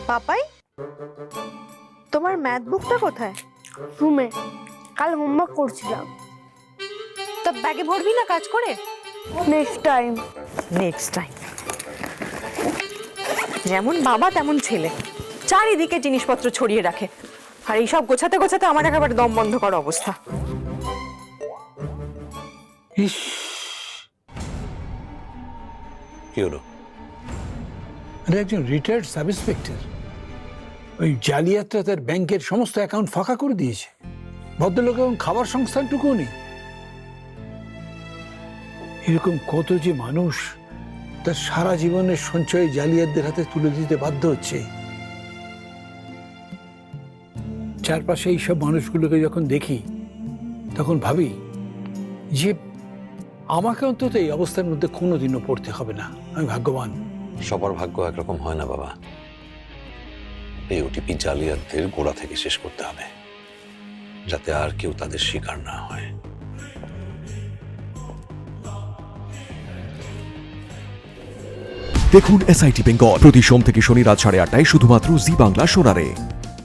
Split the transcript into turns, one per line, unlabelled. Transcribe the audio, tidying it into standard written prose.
পাপাই, তোমার ম্যাথ বুকটা কোথায়?
রুমে, কাল হোমওয়ার্ক করছিলাম।
তা ব্যাগে ভরবি না কাজ করে?
Next time.
Next time. যেমন বাবা তেমন ছেলে, চারিদিকে জিনিসপত্র ছড়িয়ে রাখে, আর এইসব গোছাতে গোছাতে আমার একেবারে দম বন্ধ করা অবস্থা।
ইস,
কি হলো?
আরে একজন রিটায়ার্ড সাব ইন্সপেক্টর ওই জালিয়াতরা তার ব্যাংকের সমস্ত অ্যাকাউন্ট ফাঁকা করে দিয়েছে। ভদ্রলোক এবং খাবার সংস্থানটুকুও নেই। এরকম কত যে মানুষ তার সারা জীবনের সঞ্চয় জালিয়াতদের হাতে তুলে দিতে বাধ্য হচ্ছে। চারপাশে এইসব মানুষগুলোকে যখন দেখি তখন ভাবি যে আমাকে অন্তত এই অবস্থার মধ্যে কোনোদিনও পড়তে হবে না। আমি ভাগ্যবান।
সবার ভাগ্য একরকম হয় না বাবা। এই ওটিপি জালিয়াতদের গোড়া থেকে শেষ করতে হবে, যাতে আর কেউ তাদের শিকার না হয়।
দেখুন SIT বেঙ্গল প্রতি সোম থেকে শনি রাত 8:30টায় শুধুমাত্র জি বাংলা সোনারে।